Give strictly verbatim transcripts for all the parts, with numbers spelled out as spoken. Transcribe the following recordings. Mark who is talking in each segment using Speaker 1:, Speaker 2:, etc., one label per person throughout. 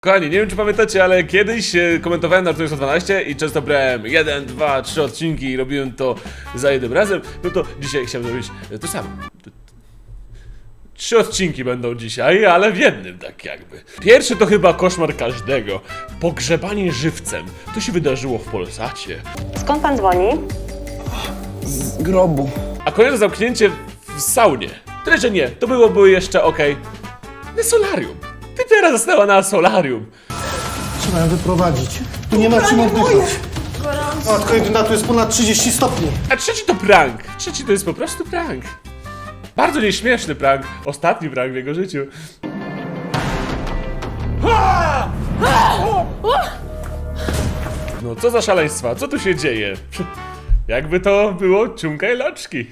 Speaker 1: Kochani, nie wiem czy pamiętacie, ale kiedyś e, komentowałem na sto dwanaście i często brałem jeden, dwa, trzy odcinki i robiłem to za jednym razem. No to dzisiaj chciałem zrobić e, to samo. Trzy odcinki będą dzisiaj, ale w jednym tak jakby. Pierwszy to chyba koszmar każdego. Pogrzebanie żywcem. To się wydarzyło w Polsacie.
Speaker 2: Skąd pan dzwoni?
Speaker 3: Z grobu.
Speaker 1: A kolejne zamknięcie w saunie. Tyle, że nie, to byłoby jeszcze okej. Na solarium. Typiara została na solarium.
Speaker 3: Trzeba ją wyprowadzić. Tu nie ma czym oddychać. Matko jedyna, tu jest ponad trzydzieści stopni.
Speaker 1: A trzeci to prank. Trzeci to jest po prostu prank. Bardzo nieśmieszny prank. Ostatni prank w jego życiu. No co za szaleństwa, co tu się dzieje? Jakby to było ciumka i loczki.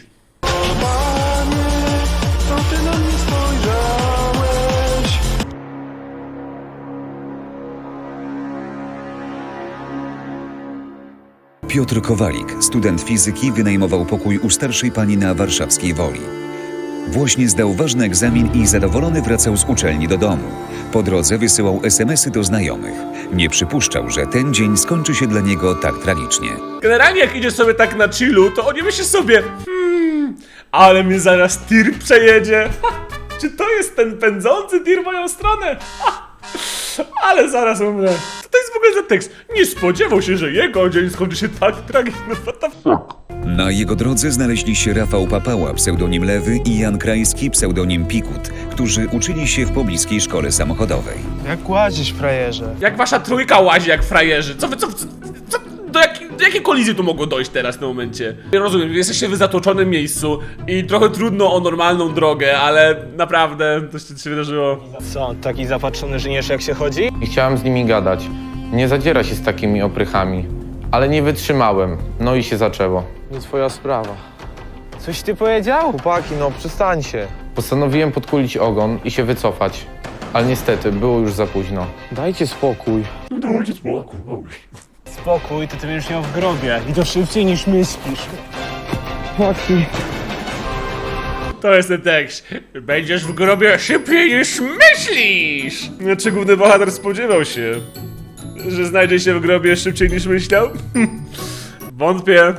Speaker 4: Piotr Kowalik, student fizyki, wynajmował pokój u starszej pani na warszawskiej Woli. Właśnie zdał ważny egzamin i zadowolony wracał z uczelni do domu. Po drodze wysyłał es em esy do znajomych. Nie przypuszczał, że ten dzień skończy się dla niego tak tragicznie.
Speaker 1: Generalnie jak idzie sobie tak na chillu, to oni myślą sobie hmm, ale mnie zaraz tir przejedzie. Ha, czy to jest ten pędzący tir w moją stronę? Ha, ale zaraz umrę. Co to jest w ogóle za tekst? Nie spodziewał się, że jego dzień skończy się tak tragicznie. What the fuck?
Speaker 4: Na jego drodze znaleźli się Rafał Papała, pseudonim Lewy, i Jan Krajski, pseudonim Pikut, którzy uczyli się w pobliskiej szkole samochodowej.
Speaker 3: Jak łazisz, frajerze?
Speaker 1: Jak wasza trójka łazi jak frajerzy. Co wy, co, co, co do, jak, do jakiej kolizji tu mogło dojść teraz w tym momencie? Ja rozumiem, jesteście w zatłoczonym miejscu i trochę trudno o normalną drogę, ale naprawdę to się, to się wydarzyło.
Speaker 5: Co, taki zapatrzony żniesz jak się chodzi?
Speaker 6: I chciałem z nimi gadać. Nie zadziera się z takimi oprychami. Ale nie wytrzymałem. No i się zaczęło.
Speaker 5: Nie twoja sprawa. Coś ty powiedział? Chłopaki, no przestańcie.
Speaker 6: Postanowiłem podkulić ogon i się wycofać. Ale niestety, było już za późno.
Speaker 5: Dajcie spokój. Spokój, to ty będziesz miał w grobie. I to szybciej niż myślisz. Chłopaki.
Speaker 1: To jest ten tekst. Będziesz w grobie szybciej niż myślisz! Czy główny bohater spodziewał się, że znajdzie się w grobie szybciej niż myślał? Wątpię.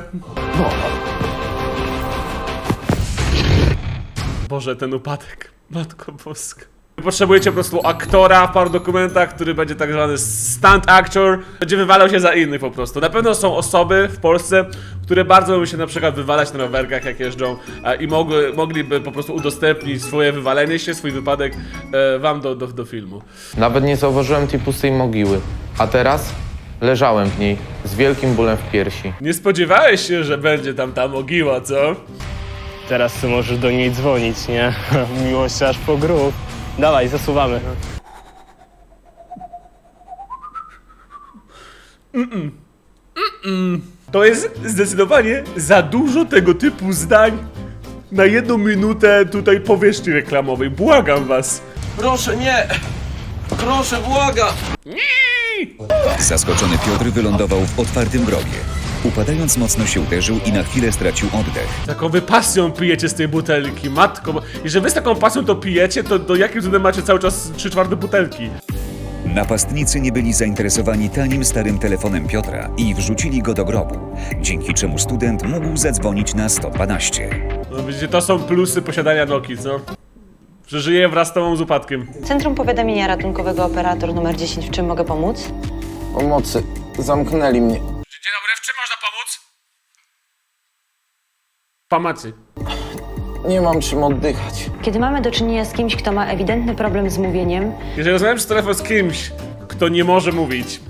Speaker 1: Boże, ten upadek. Matko Boska. Potrzebujecie po prostu aktora w paru dokumentach, który będzie tak zwany stunt actor. Będzie wywalał się za innych po prostu. Na pewno są osoby w Polsce, które bardzo lubią się na przykład wywalać na rowerkach jak jeżdżą a, i mogły, mogliby po prostu udostępnić swoje wywalenie się, swój wypadek e, wam do, do, do filmu.
Speaker 6: Nawet nie zauważyłem tej pustej mogiły. A teraz leżałem w niej z wielkim bólem w piersi.
Speaker 1: Nie spodziewałeś się, że będzie tam ta mogiła, co?
Speaker 5: Teraz ty możesz do niej dzwonić, nie? Miłość aż po grób. Dawaj, zasuwamy.
Speaker 1: To jest zdecydowanie za dużo tego typu zdań na jedną minutę tutaj powierzchni reklamowej. Błagam was.
Speaker 3: Proszę, nie! Proszę, błaga!
Speaker 4: Zaskoczony Piotr wylądował w otwartym grobie. Upadając mocno się uderzył i na chwilę stracił oddech.
Speaker 1: Taką wy pasją pijecie z tej butelki, matko. Bo jeżeli wy z taką pasją to pijecie, to do jakim cudem macie cały czas trzy czwarte butelki?
Speaker 4: Napastnicy nie byli zainteresowani tanim starym telefonem Piotra i wrzucili go do grobu, dzięki czemu student mógł zadzwonić na sto dwanaście.
Speaker 1: No widzicie, to są plusy posiadania Nokii, co? Że żyje wraz z tobą z upadkiem.
Speaker 2: Centrum Powiadamiania Ratunkowego, operator numer dziesięć. W czym mogę pomóc?
Speaker 3: Pomocy. Zamknęli mnie.
Speaker 1: Dzień dobry, w czym można pomóc? Pomocy.
Speaker 3: Nie mam czym oddychać.
Speaker 2: Kiedy mamy do czynienia z kimś, kto ma ewidentny problem z mówieniem,
Speaker 1: Jeżeli rozmawiam przez telefon z kimś, kto nie może mówić,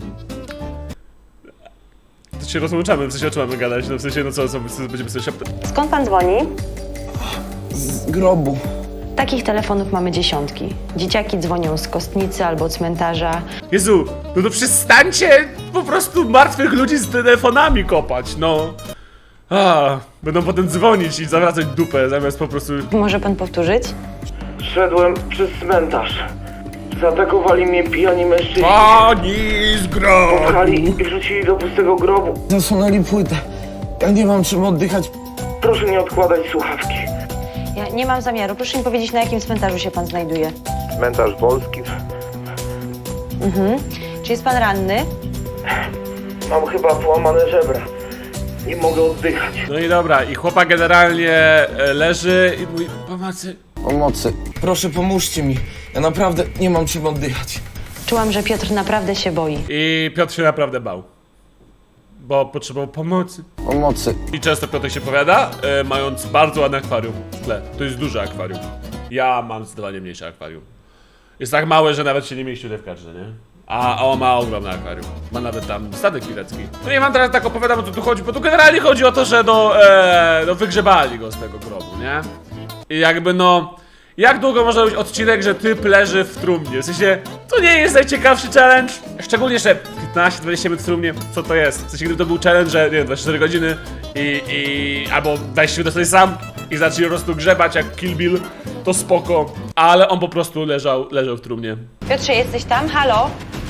Speaker 1: to się rozłączamy, w sensie o czym mamy gadać, no w sensie, no co, co, co będziemy sobie szeptać.
Speaker 2: skąd pan dzwoni?
Speaker 3: Z grobu.
Speaker 2: Takich telefonów mamy dziesiątki. Dzieciaki dzwonią z kostnicy albo cmentarza.
Speaker 1: Jezu, no to przestańcie po prostu martwych ludzi z telefonami kopać, no. A, będą potem dzwonić i zawracać dupę, zamiast po prostu...
Speaker 2: Może pan powtórzyć?
Speaker 7: Szedłem przez cmentarz. Zaatakowali mnie pijani mężczyźni.
Speaker 1: Pani z grobu!
Speaker 7: Pchali i wrzucili do pustego grobu.
Speaker 3: Zasunęli płytę. Ja nie mam czym oddychać.
Speaker 7: Proszę nie odkładać słuchawki.
Speaker 2: Ja nie mam zamiaru. Proszę mi powiedzieć, na jakim cmentarzu się pan znajduje.
Speaker 7: Cmentarz Wolski.
Speaker 2: Mhm. Czy jest pan ranny?
Speaker 7: Mam chyba połamane żebra. Nie mogę oddychać.
Speaker 1: No i dobra, i chłopak generalnie e, leży i mówi, pomocy.
Speaker 6: Pomocy. Proszę, pomóżcie mi. Ja naprawdę nie mam czym oddychać.
Speaker 2: Czułam, że Piotr naprawdę się boi.
Speaker 1: I Piotr się naprawdę bał. Bo potrzebował pomocy.
Speaker 6: Pomocy.
Speaker 1: I często Piotr się powiada, e, mając bardzo ładne akwarium w tle. To jest duże akwarium. Ja mam zdecydowanie mniejsze akwarium. Jest tak małe, że nawet się nie mieści tutaj w kadrze, nie? A, a on ma ogromne akwarium. Ma nawet tam statek pilecki. No i wam teraz tak opowiadam, o co tu chodzi, bo tu generalnie chodzi o to, że no, e, no wygrzebali go z tego grobu, nie? I jakby no... Jak długo może być odcinek, że typ leży w trumnie? W sensie, to nie jest najciekawszy challenge. Szczególnie, że piętnaście dwadzieścia minut w trumnie, co to jest? W sensie, gdyby to był challenge, że nie wiem, dwadzieścia cztery godziny i, i albo weź się do sobie sam i zacznij po prostu grzebać jak Kill Bill, to spoko. Ale on po prostu leżał, leżał w trumnie.
Speaker 2: Piotrze, jesteś tam? Halo?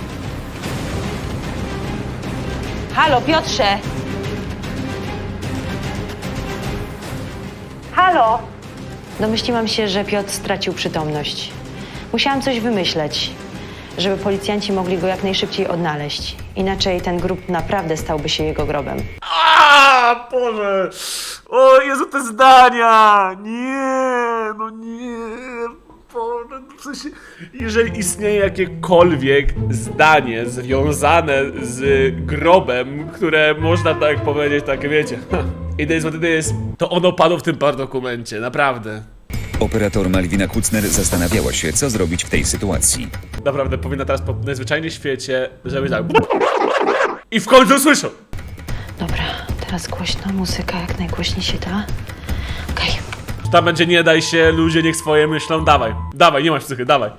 Speaker 2: Halo, Piotrze! Halo? Domyśliłam się, że Piotr stracił przytomność. Musiałam coś wymyśleć, żeby policjanci mogli go jak najszybciej odnaleźć. Inaczej ten grób naprawdę stałby się jego grobem.
Speaker 1: A Boże! O Jezu, te zdania! Nie, no nie. Boże, w sensie, jeżeli istnieje jakiekolwiek zdanie związane z grobem, które można tak powiedzieć, tak wiecie, i to jest, to jest, to ono padło w tym dokumencie, naprawdę.
Speaker 4: Operator Malwina Kucner zastanawiała się, co zrobić w tej sytuacji.
Speaker 1: Naprawdę powinna teraz po najzwyczajniej w świecie, żeby tak... I w końcu słyszą!
Speaker 2: Dobra, teraz głośno, muzyka jak najgłośniej się da. Okej.
Speaker 1: Tam będzie nie daj się, ludzie niech swoje myślą, dawaj, dawaj, nie masz psychy, dawaj.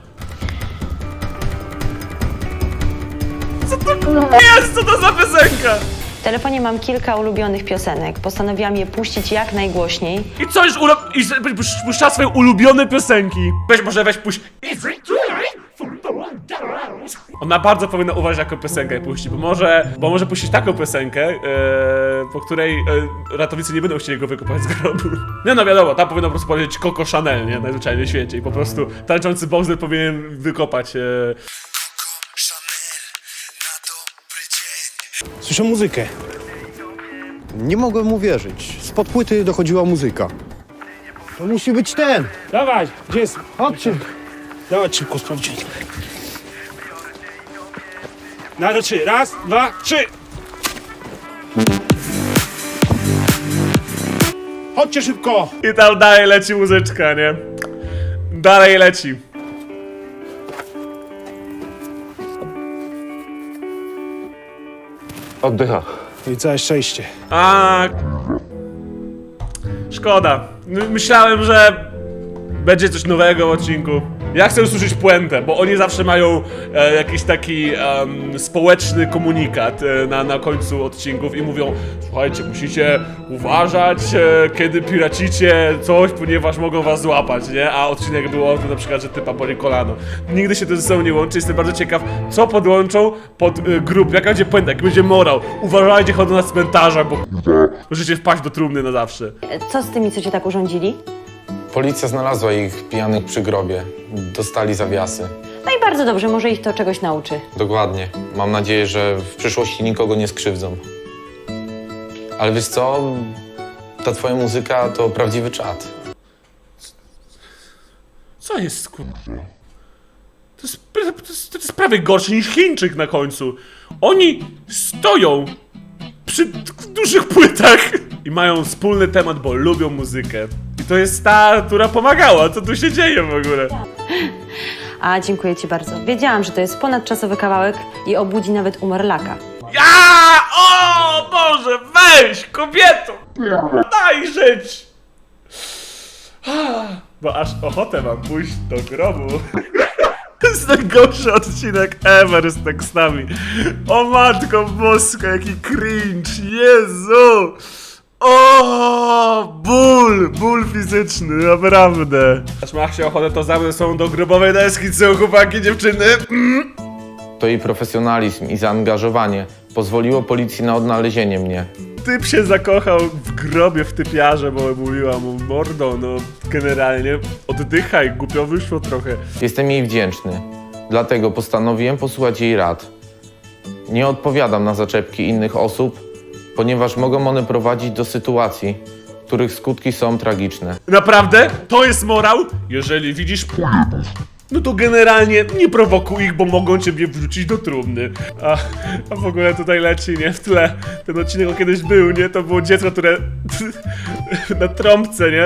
Speaker 1: Co to jest, co to za piosenka?
Speaker 2: W telefonie mam kilka ulubionych piosenek. Postanowiłam je puścić jak najgłośniej.
Speaker 1: I co już ulo... I że- pusz- puszcza swoje ulubione piosenki. Weź, może weź puść... Ona bardzo powinna uważać, jaką piosenkę puści, bo może, bo może puścić taką piosenkę, e, po której e, ratownicy nie będą chcieli go wykopać z grobu. Nie no wiadomo, tam powinno po prostu powiedzieć Coco Chanel, nie? Najzwyczajniej w świecie i po prostu tańczący Bowser powinien wykopać... E...
Speaker 8: Słyszę muzykę. Nie mogłem uwierzyć. Spod płyty dochodziła muzyka. To musi być ten.
Speaker 9: Dawaj, gdzie jest?
Speaker 8: Chodźcie.
Speaker 9: Dawaj szybko sprawdzić. Na do trzy. Raz, dwa, trzy. Chodźcie szybko.
Speaker 1: I tam dalej leci muzyczka, nie? Dalej leci.
Speaker 6: Oddycha.
Speaker 8: I całe szczęście.
Speaker 1: A szkoda. My- Myślałem, że będzie coś nowego w odcinku. Ja chcę usłyszeć puentę, bo oni zawsze mają e, jakiś taki em, społeczny komunikat e, na, na końcu odcinków i mówią: słuchajcie, musicie uważać, e, kiedy piracicie coś, ponieważ mogą was złapać, nie? A odcinek był o tym na przykład, że typa boli kolano. Nigdy się to ze sobą nie łączy, jestem bardzo ciekaw, co podłączą pod e, grup, jaka będzie puenta, jaki będzie morał. Uważajcie, chodzą na cmentarza, bo możecie wpaść do trumny na zawsze.
Speaker 2: Co z tymi, co cię tak urządzili?
Speaker 6: Policja znalazła ich pijanych przy grobie. Dostali zawiasy.
Speaker 2: No i bardzo dobrze, może ich to czegoś nauczy.
Speaker 6: Dokładnie. Mam nadzieję, że w przyszłości nikogo nie skrzywdzą. Ale wiesz co? Ta twoja muzyka to prawdziwy czad.
Speaker 1: Co jest, kur... To jest, to, jest, to jest prawie gorsze niż Chińczyk na końcu. Oni stoją przy t- dużych płytach i mają wspólny temat, bo lubią muzykę. I to jest ta, która pomagała. Co tu się dzieje w ogóle?
Speaker 2: A, dziękuję ci bardzo. Wiedziałam, że to jest ponadczasowy kawałek i obudzi nawet umarlaka.
Speaker 1: Ja! O Boże, weź, kobieto! Daj żyć! Bo aż ochotę mam pójść do grobu. To jest najgorszy odcinek ever z tekstami. O matko boska, jaki cringe, Jezu! O, ból, ból fizyczny, naprawdę. Aż ma się ochotę, to za mną są do grobowej deski, co chłopaki, dziewczyny? Mm.
Speaker 6: To jej profesjonalizm i zaangażowanie pozwoliło policji na odnalezienie mnie.
Speaker 1: Typ się zakochał w grobie w typiarze, bo mówiła mu: mordo, no generalnie oddychaj, głupio wyszło trochę.
Speaker 6: Jestem jej wdzięczny. Dlatego postanowiłem posłuchać jej rad. Nie odpowiadam na zaczepki innych osób, ponieważ mogą one prowadzić do sytuacji, których skutki są tragiczne.
Speaker 1: Naprawdę? To jest morał? Jeżeli widzisz pojebów, no to generalnie nie prowokuj ich, bo mogą ciebie wrzucić do trumny. A, a w ogóle tutaj leci, nie? W tle. Ten odcinek o kiedyś był, nie? To było dziecko, które na trąbce, nie?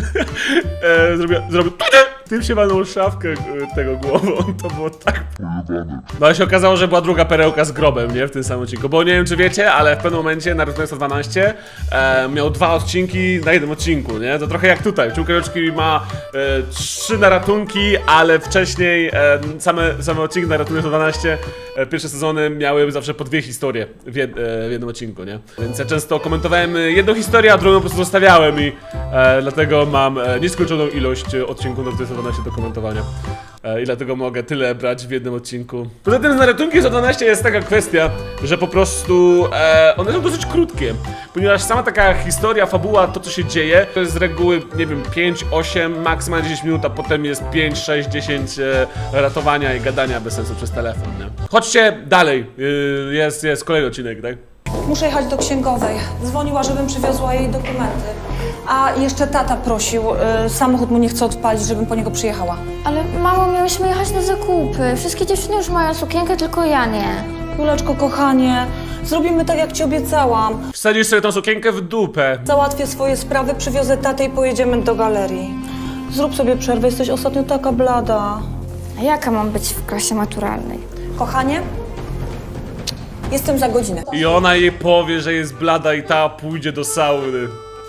Speaker 1: e, zrobiło, zrobił tym się walnął szafkę e, tego głową. To było tak pojebane. No ale się okazało, że była druga perełka z grobem, nie? W tym samym odcinku. Bo nie wiem, czy wiecie, ale w pewnym momencie Naruto sto dwanaście e, miał dwa odcinki na jednym odcinku, nie? To trochę jak tutaj. Ciukaroczki ma e, trzy na ratunki, ale wcześniej e, same, same odcinki na ratunku sto dwanaście, e, pierwsze sezony miały zawsze po dwie historie w, jed, e, w jednym odcinku, nie? Więc ja często komentowałem jedną historię, a drugą po prostu zostawiałem i e, dlatego mam e, nieskończoną ilość odcinków Naruto sto dwanaście do komentowania. E, I dlatego mogę tyle brać w jednym odcinku. Poza tym na ratunki sto dwanaście jest taka kwestia, że po prostu e, one są dosyć krótkie. Ponieważ sama taka historia, fabuła, to co się dzieje, to jest z reguły, nie wiem, pięć, osiem, maksymalnie dziesięć minut, a potem jest pięć, sześć, dziesięć e, ratowania i gadania bez sensu przez telefon, nie? Chodźcie dalej, y, jest, jest kolejny odcinek, tak?
Speaker 10: Muszę jechać do księgowej. Dzwoniła, żebym przywiozła jej dokumenty. A jeszcze tata prosił, y, samochód mu nie chce odpalić, żebym po niego przyjechała.
Speaker 11: Ale mamo, miałyśmy jechać na zakupy. Wszystkie dziewczyny już mają sukienkę, tylko ja nie.
Speaker 10: Juleczko, kochanie, zrobimy tak, jak ci obiecałam.
Speaker 1: Wsadzisz sobie tą sukienkę w dupę.
Speaker 10: Załatwię swoje sprawy, przywiozę tatę i pojedziemy do galerii. Zrób sobie przerwę, jesteś ostatnio taka blada.
Speaker 11: A jaka mam być w klasie maturalnej?
Speaker 10: Kochanie, jestem za godzinę.
Speaker 1: I ona jej powie, że jest blada i ta pójdzie do sauny.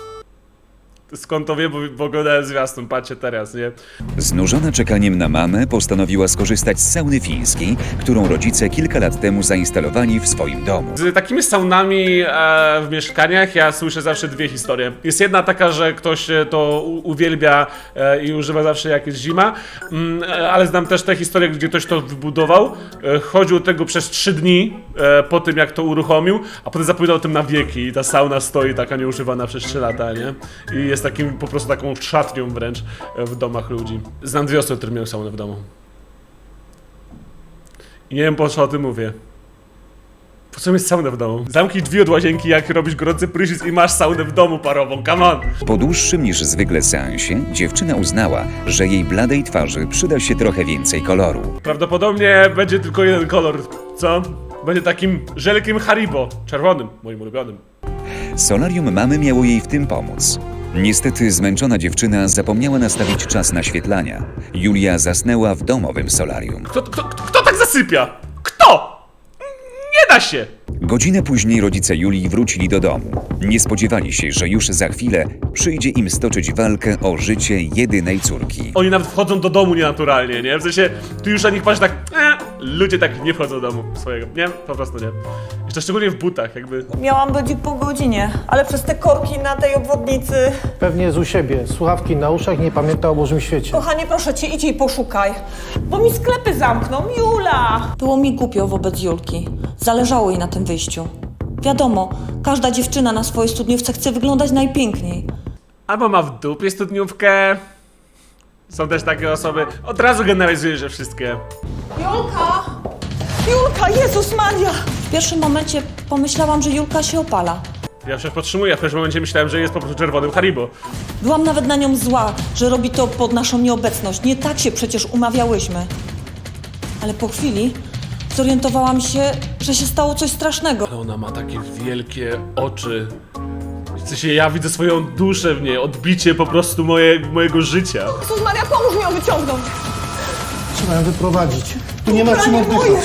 Speaker 1: Skąd to wiem, bo, bo oglądałem zwiastun, patrzcie teraz, nie?
Speaker 4: Znużona czekaniem na mamę, postanowiła skorzystać z sauny fińskiej, którą rodzice kilka lat temu zainstalowali w swoim domu.
Speaker 1: Z takimi saunami e, w mieszkaniach ja słyszę zawsze dwie historie. Jest jedna taka, że ktoś e, to u, uwielbia e, i używa zawsze jak jest zima, mm, e, ale znam też te historie, gdzie ktoś to wybudował, e, chodził tego przez trzy dni e, po tym, jak to uruchomił, a potem zapominał o tym na wieki i ta sauna stoi taka nieużywana przez trzy lata, nie? I jest takim, po prostu taką szatnią wręcz e, w domach ludzi. Znam dwie osoby, które miały saunę w domu. I nie wiem, po co o tym mówię. Po co mieć saunę w domu? Zamknij drzwi od łazienki, jak robisz gorący prysznic i masz saunę w domu parową, come on!
Speaker 4: Po dłuższym niż zwykle seansie, dziewczyna uznała, że jej bladej twarzy przyda się trochę więcej koloru.
Speaker 1: Prawdopodobnie będzie tylko jeden kolor, co? Będzie takim żelkiem Haribo, czerwonym, moim ulubionym.
Speaker 4: Solarium mamy miało jej w tym pomóc. Niestety zmęczona dziewczyna zapomniała nastawić czas naświetlania. Julia zasnęła w domowym solarium.
Speaker 1: Kto, kto, kto, kto tak zasypia? Kto? Nie da się!
Speaker 4: Godzinę później rodzice Julii wrócili do domu. Nie spodziewali się, że już za chwilę przyjdzie im stoczyć walkę o życie jedynej córki.
Speaker 1: Oni nawet wchodzą do domu nienaturalnie, nie? W sensie, ty już na nich patrzysz tak, e, ludzie tak nie wchodzą do domu swojego, nie? Po prostu nie. Jeszcze szczególnie w butach, jakby.
Speaker 10: Miałam być po godzinie, ale przez te korki na tej obwodnicy...
Speaker 3: Pewnie jest u siebie. Słuchawki na uszach, nie pamięta o Bożym świecie.
Speaker 10: Kochanie, proszę cię, idź i poszukaj, bo mi sklepy zamkną, Jula! Było mi głupio wobec Julki. Zależało jej na tym wyjściu. Wiadomo, każda dziewczyna na swojej studniówce chce wyglądać najpiękniej.
Speaker 1: Albo ma w dupie studniówkę. Są też takie osoby, od razu generalizuję, że wszystkie.
Speaker 10: Julka! Julka, Jezus Maria! W pierwszym momencie pomyślałam, że Julka się opala.
Speaker 1: Ja przecież podtrzymuję, a w pewnym momencie myślałem, że jest po prostu czerwonym Haribo.
Speaker 10: Byłam nawet na nią zła, że robi to pod naszą nieobecność. Nie tak się przecież umawiałyśmy. Ale po chwili zorientowałam się, że się stało coś strasznego.
Speaker 1: Ale ona ma takie wielkie oczy. W sensie ja widzę swoją duszę w niej, odbicie po prostu moje, mojego życia.
Speaker 10: Jezus Maria, pomóż mi ją wyciągnąć!
Speaker 3: Trzeba ją wyprowadzić. Tu nie ma czym oddychać.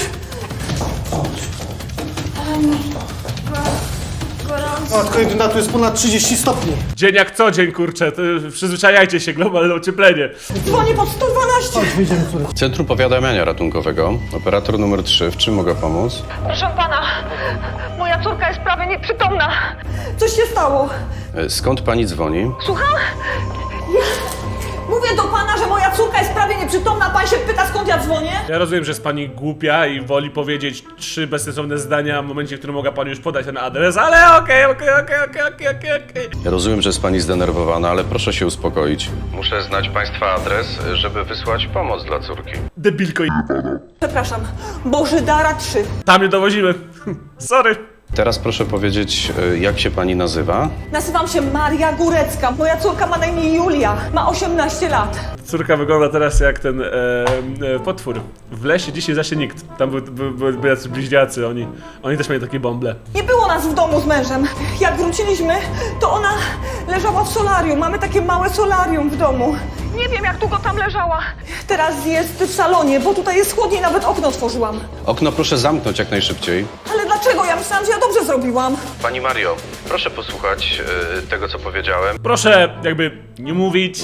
Speaker 3: Matko jedyna, tu jest ponad trzydzieści stopni.
Speaker 1: Dzień jak co dzień, kurczę, to przyzwyczajajcie się, globalne ocieplenie.
Speaker 10: Dzwonię pod sto dwanaście!
Speaker 3: Chodź, wyjdziemy córek.
Speaker 12: Centrum Powiadamiania Ratunkowego. Operator numer trzy. W czym mogę pomóc?
Speaker 10: Proszę pana, moja córka jest prawie nieprzytomna. Coś się stało.
Speaker 12: E, Skąd pani dzwoni?
Speaker 10: Słucham? Ja... Mówię do pana, że moja córka jest prawie nieprzytomna, a pan się pyta, skąd ja dzwonię?
Speaker 1: Ja rozumiem, że jest pani głupia i woli powiedzieć trzy bezsensowne zdania w momencie, w którym mogła pani już podać ten adres, ale okej, okej, okej, okej, okej, okej, okej.
Speaker 12: Ja rozumiem, że jest pani zdenerwowana, ale proszę się uspokoić. Muszę znać państwa adres, żeby wysłać pomoc dla córki.
Speaker 1: Debilko i...
Speaker 10: Przepraszam, Bożydara trzy.
Speaker 1: Tam nie dowozimy. Sorry.
Speaker 12: Teraz proszę powiedzieć, y, jak się pani nazywa?
Speaker 10: Nazywam się Maria Górecka. Moja córka ma na imię Julia. Ma osiemnaście lat.
Speaker 1: Córka wygląda teraz jak ten e, e, potwór. W lesie dzisiaj zaś nikt. Tam były, były, były, były jacyś bliźniacy, oni, oni też mieli takie bąble.
Speaker 10: Nie było nas w domu z mężem. Jak wróciliśmy, to ona leżała w solarium. Mamy takie małe solarium w domu. Nie wiem, jak długo tam leżała. Teraz jest w salonie, bo tutaj jest chłodniej, nawet okno otworzyłam.
Speaker 12: Okno proszę zamknąć jak najszybciej.
Speaker 10: Ale dlaczego? Ja myślałam, że ja dobrze zrobiłam.
Speaker 12: Pani Mario, proszę posłuchać y, tego, co powiedziałem.
Speaker 1: Proszę jakby nie mówić.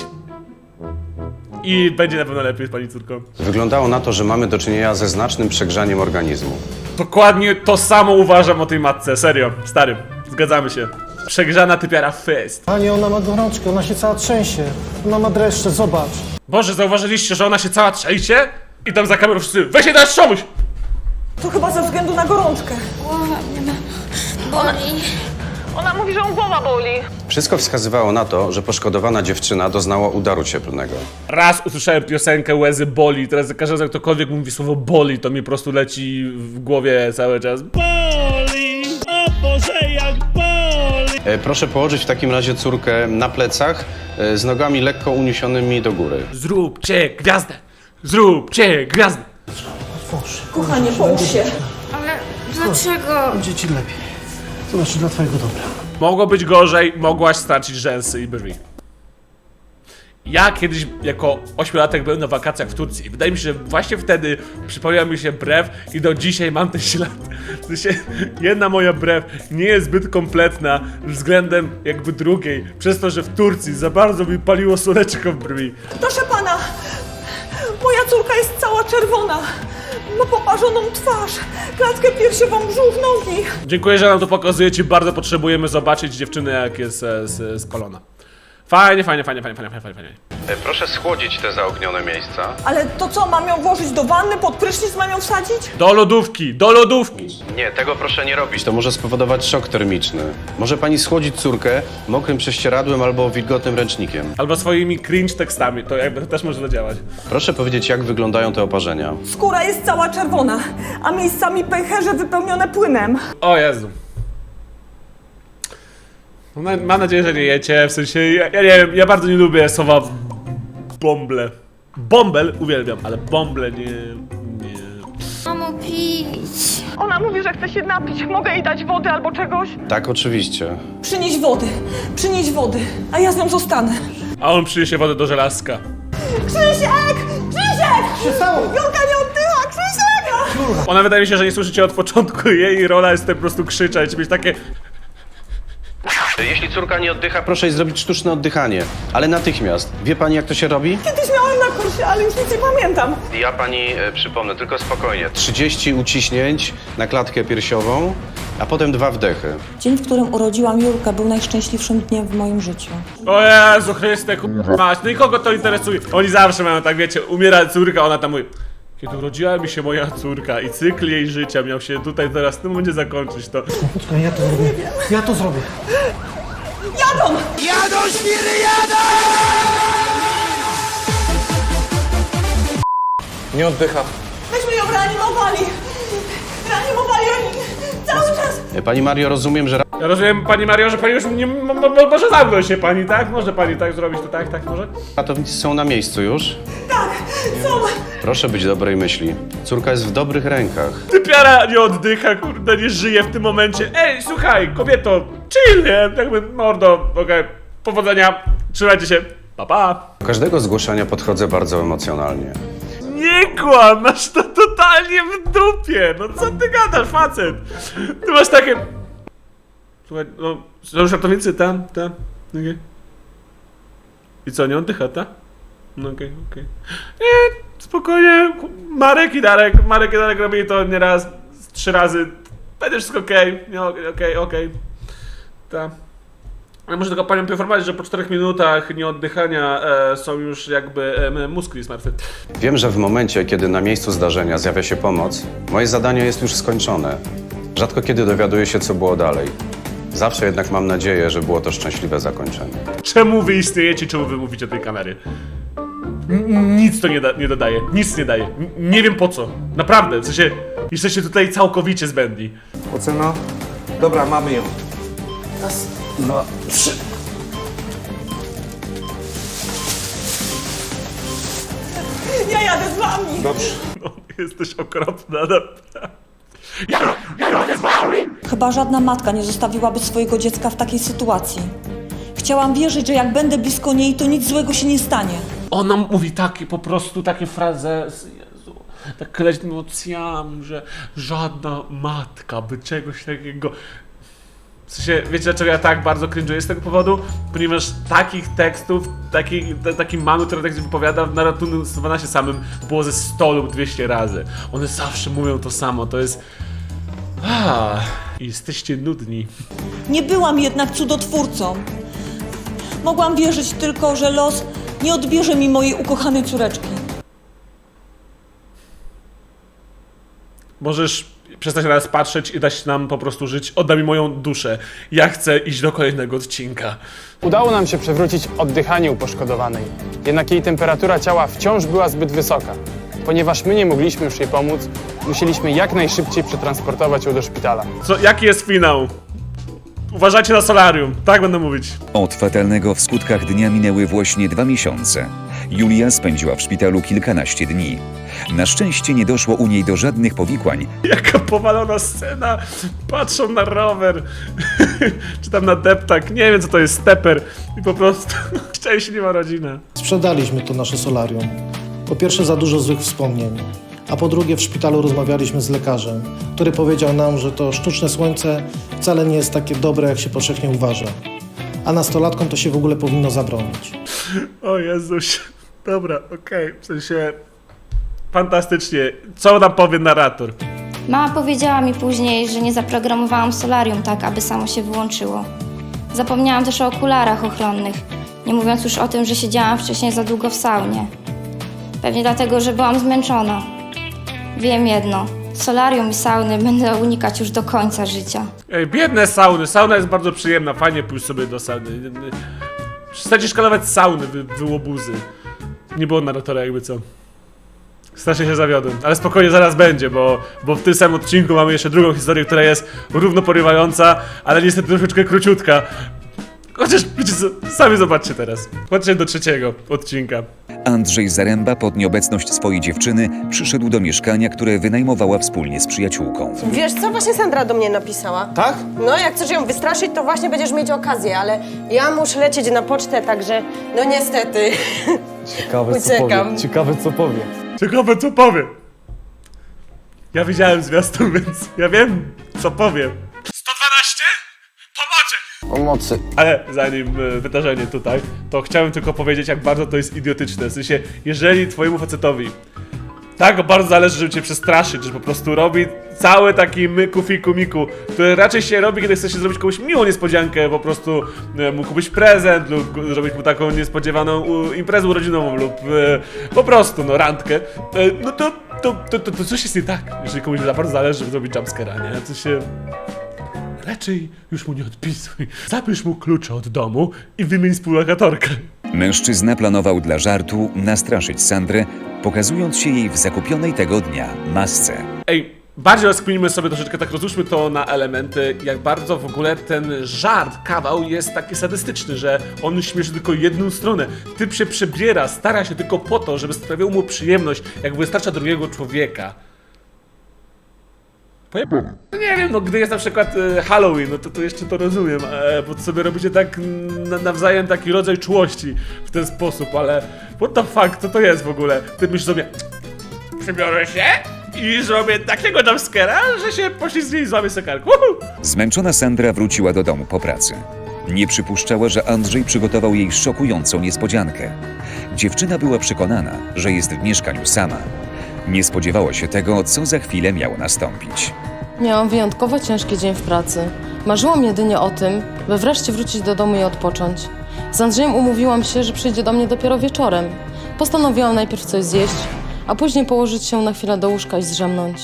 Speaker 1: I będzie na pewno lepiej z pani córką.
Speaker 12: Wyglądało na to, że mamy do czynienia ze znacznym przegrzaniem organizmu.
Speaker 1: Dokładnie to samo uważam o tej matce, serio, stary, zgadzamy się. Przegrzana typiara fest.
Speaker 3: Pani, ona ma gorączkę, ona się cała trzęsie. Ona ma dreszcze, zobacz.
Speaker 1: Boże, zauważyliście, że ona się cała trzęsie? I tam za kamerą wszyscy, weź się dać czomuś!
Speaker 10: To chyba ze względu na gorączkę.
Speaker 11: Boli.
Speaker 10: Ona mówi, że ją głowa boli.
Speaker 12: Wszystko wskazywało na to, że poszkodowana dziewczyna doznała udaru cieplnego.
Speaker 1: Raz usłyszałem piosenkę Łezy boli, teraz za każdym razem ktokolwiek mówi słowo boli, to mi po prostu leci w głowie cały czas. Boli, o Boże jak boli!
Speaker 12: E, proszę położyć w takim razie córkę na plecach, e, z nogami lekko uniesionymi do góry.
Speaker 1: Zróbcie gwiazdę! Zróbcie gwiazdę!
Speaker 10: Kochanie, połóż się.
Speaker 11: Ale dlaczego?
Speaker 3: Będzie ci lepiej. To znaczy dla twojego dobra.
Speaker 1: Mogło być gorzej, mogłaś stracić rzęsy i brwi. Ja kiedyś jako ośmiolatek byłem na wakacjach w Turcji i wydaje mi się, że właśnie wtedy przypomniał mi się brew i do dzisiaj mam ten ślad. W sensie, jedna moja brew nie jest zbyt kompletna względem jakby drugiej, przez to, że w Turcji za bardzo mi paliło słoneczko w brwi.
Speaker 10: Proszę pana, moja córka jest cała czerwona. Ma poparzoną twarz, klatkę piersiową, brzuch, nogi.
Speaker 1: Dziękuję, że nam to pokazujecie, bardzo potrzebujemy zobaczyć dziewczynę jak jest e, z, spalona. Fajnie, fajnie, fajnie, fajnie, fajnie, fajnie, fajnie.
Speaker 12: E, proszę schłodzić te zaognione miejsca.
Speaker 10: Ale to co, mam ją włożyć do wanny, pod prysznic mam ją wsadzić?
Speaker 1: Do lodówki, do lodówki!
Speaker 12: Nie, tego proszę nie robić. To może spowodować szok termiczny. Może pani schłodzić córkę mokrym prześcieradłem albo wilgotnym ręcznikiem.
Speaker 1: Albo swoimi cringe tekstami, to jakby to też może zadziałać.
Speaker 12: Proszę powiedzieć, jak wyglądają te oparzenia.
Speaker 10: Skóra jest cała czerwona, a miejscami pęcherze wypełnione płynem.
Speaker 1: O Jezu. Mam mam nadzieję, że nie jecie, w sensie, ja, ja nie wiem, ja bardzo nie lubię słowa bąble. Bąbel uwielbiam, ale bąble nie, nie.
Speaker 11: Mamo, pić.
Speaker 10: Ona mówi, że chce się napić. Mogę jej dać wody albo czegoś?
Speaker 12: Tak, oczywiście.
Speaker 10: Przynieś wody, przynieś wody, a ja z nią zostanę.
Speaker 1: A on przyniesie wodę do żelazka.
Speaker 10: Krzysiek! Krzysiek!
Speaker 3: się stało?
Speaker 10: Julka nie oddycha! Krzysiek!
Speaker 1: Ona wydaje mi się, że nie słyszycie od początku, jej rola jest po prostu krzyczeć, mieć takie...
Speaker 12: Jeśli córka nie oddycha, proszę jej zrobić sztuczne oddychanie. Ale natychmiast. Wie pani, jak to się robi?
Speaker 10: Kiedyś miałem na kursie, ale już nic nie pamiętam.
Speaker 12: Ja pani e, przypomnę, tylko spokojnie. trzydzieści uciśnięć na klatkę piersiową, a potem dwa wdechy.
Speaker 10: Dzień, w którym urodziłam Julkę, był najszczęśliwszym dniem w moim życiu.
Speaker 1: O Jezu Chryste, k***a, no i kogo to interesuje? Oni zawsze mają tak, wiecie, umiera córka, ona tam mówi: kiedy urodziła mi się moja córka i cykl jej życia miał się tutaj teraz w tym momencie zakończyć, to...
Speaker 3: Poczekaj, ja to zrobię. Ja to zrobię.
Speaker 10: Jadą!
Speaker 3: Jadą, świry, jadą!
Speaker 6: Nie oddycha.
Speaker 10: Myśmy ją reanimowali! Reanimowali oni cały czas!
Speaker 12: E, Pani Mario, rozumiem, że
Speaker 1: Ja rozumiem, pani Mario, że pani już nie... mo- mo- może zamknąć się pani, tak? Może pani tak zrobić, to tak, tak, może?
Speaker 12: ratownicy są na miejscu już.
Speaker 10: Tak, są!
Speaker 12: Proszę być dobrej myśli. Córka jest w dobrych rękach.
Speaker 1: Typiara nie oddycha, kurde, nie żyje w tym momencie. Ej, słuchaj, kobieto, chill, nie? Jakby, mordo, okej, powodzenia, trzymajcie się, pa, pa.
Speaker 12: Do każdego zgłoszenia podchodzę bardzo emocjonalnie.
Speaker 1: Nie kłam, masz to totalnie w dupie, no co ty gadasz, facet? Ty masz takie... Słuchaj, no, są już ratownicy, tam, tam, okej. I co, nie oddycha, ta? No okej, okej. Nie, spokojnie, Marek i Darek, Marek i Darek robili to nie raz, trzy razy. Będzie wszystko okej, nie, okej, okej, okej. Ta. Ale muszę tylko panią poinformować, że po czterech minutach nieoddychania e, są już jakby e, mózg jest martwy.
Speaker 12: Wiem, że w momencie, kiedy na miejscu zdarzenia zjawia się pomoc, moje zadanie jest już skończone. Rzadko kiedy dowiaduję się, co było dalej. Zawsze jednak mam nadzieję, że było to szczęśliwe zakończenie.
Speaker 1: Czemu wy istniejecie, czemu wy mówicie tej kamery? N- nic to nie, da nie dodaje, nic nie daje. N nie wiem po co. Naprawdę, w sensie jesteście tutaj całkowicie zbędni.
Speaker 3: Ocena? Dobra, mamy ją. Raz, dwa, trzy.
Speaker 10: Ja jadę z wami!
Speaker 3: Dobrze.
Speaker 1: No, jesteś okropna, naprawdę. Ja, ja jadę z wami!
Speaker 10: Chyba żadna matka nie zostawiłaby swojego dziecka w takiej sytuacji. Chciałam wierzyć, że jak będę blisko niej, to nic złego się nie stanie.
Speaker 1: Ona mówi takie, po prostu takie frazezy, Jezu, tak leśnymi emocjami, że żadna matka by czegoś takiego... W sensie, wiecie dlaczego ja tak bardzo cringe'uję z tego powodu? Ponieważ takich tekstów, taki, t- taki mamy, która tak się wypowiada na ratunku sto dwanaście samym było ze sto lub dwieście razy. One zawsze mówią to samo, to jest... Ah, jesteście nudni.
Speaker 10: Nie byłam jednak cudotwórcą. Mogłam wierzyć tylko, że los nie odbierze mi mojej ukochanej córeczki.
Speaker 1: Możesz przestać na nas patrzeć i dać nam po prostu żyć. Oddaj mi moją duszę. Ja chcę iść do kolejnego odcinka.
Speaker 5: Udało nam się przywrócić oddychanie uposzkodowanej. Jednak jej temperatura ciała wciąż była zbyt wysoka. Ponieważ my nie mogliśmy już jej pomóc, musieliśmy jak najszybciej przetransportować ją do szpitala.
Speaker 1: Co, jaki jest finał? Uważajcie na solarium, tak będę mówić.
Speaker 4: Od fatalnego w skutkach dnia minęły właśnie dwa miesiące. Julia spędziła w szpitalu kilkanaście dni. Na szczęście nie doszło u niej do żadnych powikłań,
Speaker 1: Jaka powalona scena. Patrzą na rower. Czy tam na deptak. Nie wiem co to jest, steper. I po prostu szczęśliwa rodzina.
Speaker 3: Sprzedaliśmy to nasze solarium. Po pierwsze za dużo złych wspomnień, a po drugie w szpitalu rozmawialiśmy z lekarzem, który powiedział nam, że to sztuczne słońce wcale nie jest takie dobre, jak się powszechnie uważa. A nastolatkom to się w ogóle powinno zabronić.
Speaker 1: O Jezuś. Dobra, okej. W sensie... Fantastycznie. Co nam powie narrator?
Speaker 11: Mama powiedziała mi później, że nie zaprogramowałam solarium tak, aby samo się wyłączyło. Zapomniałam też o okularach ochronnych, nie mówiąc już o tym, że siedziałam wcześniej za długo w saunie. Pewnie dlatego, że byłam zmęczona. Wiem jedno, solarium i sauny będę unikać już do końca życia.
Speaker 1: Ej, biedne sauny. Sauna jest bardzo przyjemna. Fajnie pójść sobie do sauny. Przestańcie szkalować sauny, wy, wy łobuzy. Nie było narratora jakby co. Strasznie się zawiodłem, ale spokojnie zaraz będzie, bo, bo w tym samym odcinku mamy jeszcze drugą historię, która jest równo porywająca, ale niestety troszeczkę króciutka. Chociaż wiecie co, sami zobaczcie teraz. Chodźcie do trzeciego odcinka.
Speaker 4: Andrzej Zaręba pod nieobecność swojej dziewczyny przyszedł do mieszkania, które wynajmowała wspólnie z przyjaciółką.
Speaker 13: Wiesz co, właśnie Sandra do mnie napisała.
Speaker 3: Tak?
Speaker 13: No, jak chcesz ją wystraszyć, to właśnie będziesz mieć okazję, ale ja muszę lecieć na pocztę, także no niestety.
Speaker 5: Ciekawe
Speaker 13: Uciekam.
Speaker 5: Ciekawe co powie.
Speaker 1: Ciekawe co powie. Ja widziałem zwiastun, więc ja wiem co powiem. sto dwanaście? Pomocy!
Speaker 6: Pomocy.
Speaker 1: Ale zanim e, wydarzenie tutaj, to chciałem tylko powiedzieć, jak bardzo to jest idiotyczne. W sensie, jeżeli twojemu facetowi tak bardzo zależy, żeby cię przestraszyć, że po prostu robi cały taki myku, fiku, miku, który raczej się robi, kiedy chce się zrobić komuś miłą niespodziankę, po prostu e, mu kupić prezent lub gu- zrobić mu taką niespodziewaną u, imprezę urodzinową lub e, po prostu, no, randkę, e, no to, to, to, to, to coś jest nie tak, jeżeli komuś za bardzo zależy, żeby zrobić jumpscare'a, nie? To się... Raczej już mu nie odpisuj. Zabierz mu klucze od domu i wymień współlokatorkę.
Speaker 4: Mężczyzna planował dla żartu nastraszyć Sandrę, pokazując się jej w zakupionej tego dnia masce.
Speaker 1: Ej, bardziej rozkminimy sobie troszeczkę, tak rozłóżmy to na elementy, jak bardzo w ogóle ten żart, kawał jest taki sadystyczny, że on śmieszy tylko jedną stronę. Typ się przebiera, stara się tylko po to, żeby sprawiał mu przyjemność, jak wystarcza drugiego człowieka. Pojebane. No nie wiem, no gdy jest na przykład e, Halloween, no to, to jeszcze to rozumiem, e, bo to sobie robicie tak na, nawzajem taki rodzaj czułości w ten sposób, ale what the fuck, co to jest w ogóle? Ty myślisz sobie, przybiorę się i zrobię takiego jumpscare'a, że się poślizgnie i złamie sobie kark. Uhu!
Speaker 4: Zmęczona Sandra wróciła do domu po pracy. Nie przypuszczała, że Andrzej przygotował jej szokującą niespodziankę. Dziewczyna była przekonana, że jest w mieszkaniu sama. Nie spodziewała się tego, co za chwilę miało nastąpić.
Speaker 13: Miałam wyjątkowo ciężki dzień w pracy.
Speaker 14: Marzyłam jedynie o tym, by wreszcie wrócić do domu i odpocząć. Z Andrzejem umówiłam się, że przyjdzie do mnie dopiero wieczorem. Postanowiłam najpierw coś zjeść, a później położyć się na chwilę do łóżka i zdrzemnąć.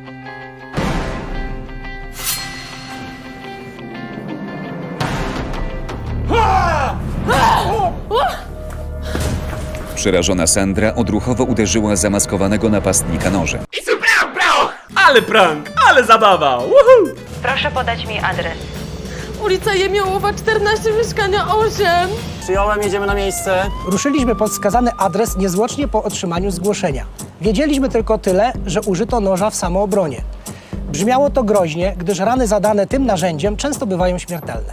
Speaker 4: Przerażona Sandra odruchowo uderzyła zamaskowanego napastnika nożem.
Speaker 1: Ale prank, ale zabawa! Woohoo!
Speaker 2: Proszę podać mi adres.
Speaker 14: Ulica Jemiołowa, czternaście, mieszkania osiem.
Speaker 7: Przyjąłem, jedziemy na miejsce.
Speaker 15: Ruszyliśmy pod wskazany adres niezwłocznie po otrzymaniu zgłoszenia. Wiedzieliśmy tylko tyle, że użyto noża w samoobronie. Brzmiało to groźnie, gdyż rany zadane tym narzędziem często bywają śmiertelne.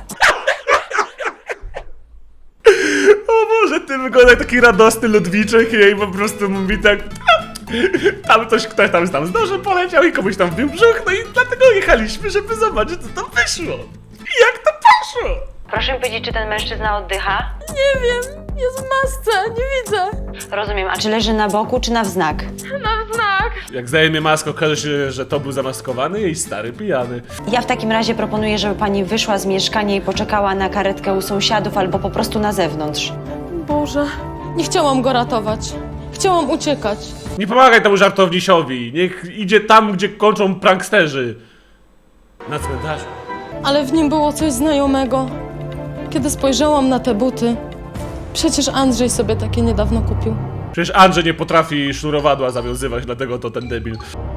Speaker 1: O Boże, ty wygląda jak taki radosny Ludwiczek i po prostu mówi tak... Tam coś, ktoś tam, tam z nożem poleciał i komuś tam wbił brzuch, no i dlatego jechaliśmy, żeby zobaczyć, co tam wyszło. I jak to poszło?
Speaker 2: Proszę mi powiedzieć, czy ten mężczyzna oddycha?
Speaker 14: Nie wiem, jest w masce, nie widzę.
Speaker 2: Rozumiem, a czy leży na boku, czy na wznak?
Speaker 14: Na znak.
Speaker 1: Jak zdejmie maskę, okaże się, że to był zamaskowany jej stary pijany.
Speaker 2: Ja w takim razie proponuję, żeby pani wyszła z mieszkania i poczekała na karetkę u sąsiadów albo po prostu na zewnątrz.
Speaker 14: Boże, nie chciałam go ratować. Chciałam uciekać.
Speaker 1: Nie pomagaj temu żartownisiowi, niech idzie tam, gdzie kończą pranksterzy. Na cmentarzu.
Speaker 14: Ale w nim było coś znajomego. Kiedy spojrzałam na te buty, przecież Andrzej sobie takie niedawno kupił.
Speaker 1: Przecież Andrzej nie potrafi sznurowadła zawiązywać, dlatego to ten debil.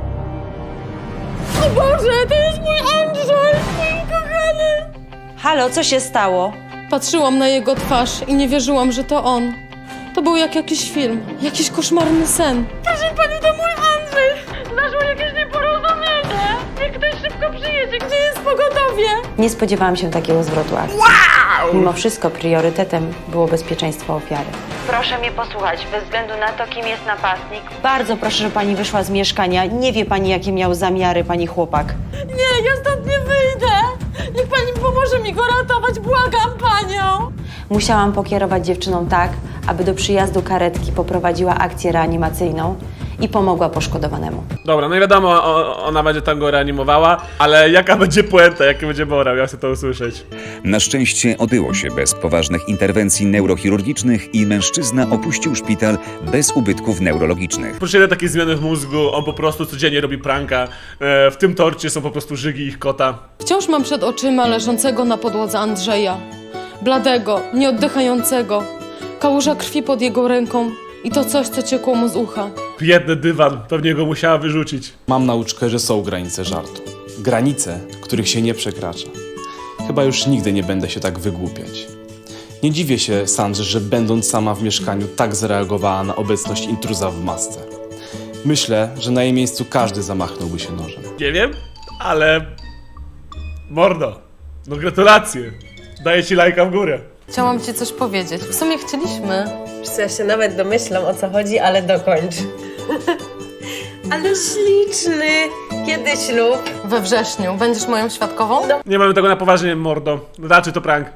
Speaker 14: O Boże, to jest mój Andrzej, mój kochany!
Speaker 2: Halo, co się stało?
Speaker 14: Patrzyłam na jego twarz i nie wierzyłam, że to on. To był jak jakiś film, jakiś koszmarny sen. Proszę pani, to mój Andrzej! Zdarzyło jakieś nieporozumienie! Niech ktoś szybko przyjedzie, gdzie jest pogotowie?
Speaker 2: Nie spodziewałam się takiego zwrotu akcji. Wow! Mimo wszystko priorytetem było bezpieczeństwo ofiary. Proszę mnie posłuchać, bez względu na to, kim jest napastnik. Bardzo proszę, żeby pani wyszła z mieszkania. Nie wie pani, jakie miał zamiary pani chłopak.
Speaker 14: Nie, ja stąd nie wyjdę! Niech pani pomoże mi go ratować, błagam panią!
Speaker 2: Musiałam pokierować dziewczyną tak, aby do przyjazdu karetki poprowadziła akcję reanimacyjną i pomogła poszkodowanemu.
Speaker 1: Dobra, no i wiadomo, o, ona będzie tam go reanimowała, ale jaka będzie puenta, jaki będzie morał, ja chcę to usłyszeć.
Speaker 4: Na szczęście obyło się bez poważnych interwencji neurochirurgicznych i mężczyzna opuścił szpital bez ubytków neurologicznych.
Speaker 1: Proszę, ile takie zmiany w mózgu, on po prostu codziennie robi pranka, e, w tym torcie są po prostu żygi ich kota.
Speaker 14: Wciąż mam przed oczyma leżącego na podłodze Andrzeja. Bladego, nieoddychającego. Kałuża krwi pod jego ręką i to coś, co ciekło mu z ucha.
Speaker 1: Biedny dywan, pewnie go musiała wyrzucić.
Speaker 16: Mam nauczkę, że są granice żartu. Granice, których się nie przekracza. Chyba już nigdy nie będę się tak wygłupiać. Nie dziwię się Sandrze, że będąc sama w mieszkaniu tak zareagowała na obecność intruza w masce. Myślę, że na jej miejscu każdy zamachnąłby się nożem.
Speaker 1: Nie wiem, ale... Mordo, no gratulacje. Daję ci lajka w górę.
Speaker 14: Chciałam ci coś powiedzieć. W sumie chcieliśmy.
Speaker 13: Wiesz, ja się nawet domyślam, o co chodzi, ale dokończ. Ale śliczny. Kiedy ślub?
Speaker 14: We wrześniu. Będziesz moją świadkową?
Speaker 1: Nie mamy tego na poważnie, mordo. Raczej to prank.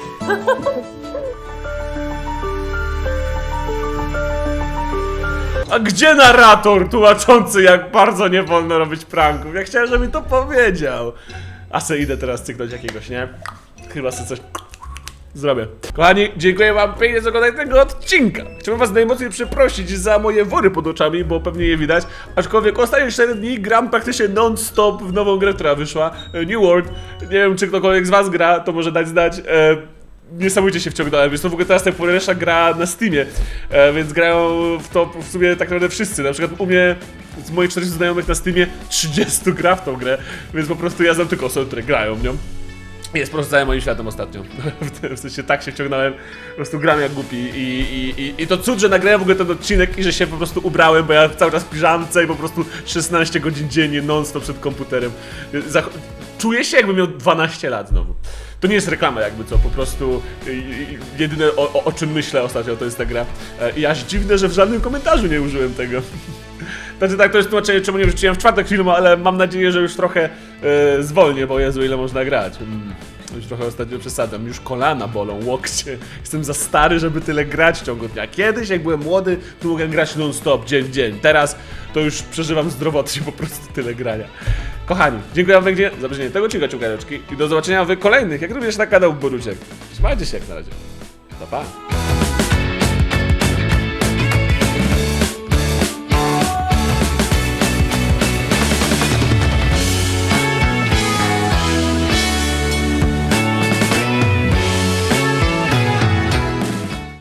Speaker 1: A gdzie narrator tłumaczący, jak bardzo nie wolno robić pranków? Ja chciałem, żeby mi to powiedział. A se idę teraz cyknąć jakiegoś, nie? Chyba sobie coś zrobię. Kochani, dziękuję wam pięknie za oglądanie tego odcinka. Chciałbym was najmocniej przeprosić za moje wory pod oczami, bo pewnie je widać. Aczkolwiek ostatnie cztery dni gram praktycznie non-stop w nową grę, która wyszła. New World. Nie wiem, czy ktokolwiek z was gra, to może dać znać. E, Niesamowicie się wciągnąłem, jest to w ogóle teraz najpopularniejsza gra na Steamie, e, więc grają w to w sumie tak naprawdę wszyscy. Na przykład u mnie, z moich czterdziestu znajomych na Steamie, trzydziestu gra w tą grę, więc po prostu ja znam tylko osoby, które grają w nią. Jest po prostu całym moim światem ostatnio. W sensie tak się wciągnąłem, po prostu gram jak głupi i, i, i, i to cud, że nagrałem w ogóle ten odcinek i że się po prostu ubrałem, bo ja cały czas w piżamce i po prostu szesnaście godzin dziennie non-stop przed komputerem. Zach Czuję się, jakbym miał dwanaście lat znowu. To nie jest reklama jakby co, po prostu jedyne o, o, o czym myślę ostatnio to jest ta gra. I aż dziwne, że w żadnym komentarzu nie użyłem tego. Znaczy tak, to jest tłumaczenie, czemu nie wrzuciłem w czwartek filmu, ale mam nadzieję, że już trochę e, zwolnię, bo Jezu, ile można grać. Mm, już trochę ostatnio przesadzam, już kolana bolą, łokcie. Jestem za stary, żeby tyle grać w ciągu dnia. Kiedyś, jak byłem młody, to mogłem grać non-stop, dzień w dzień. Teraz to już przeżywam zdrowotnie po prostu tyle grania. Kochani, dziękuję wam pięknie za obejrzenie tego odcinka Ciukareczki i do zobaczenia w kolejnych, jak również na kanał Boruciek. Trzymajcie się jak na razie. Pa, pa.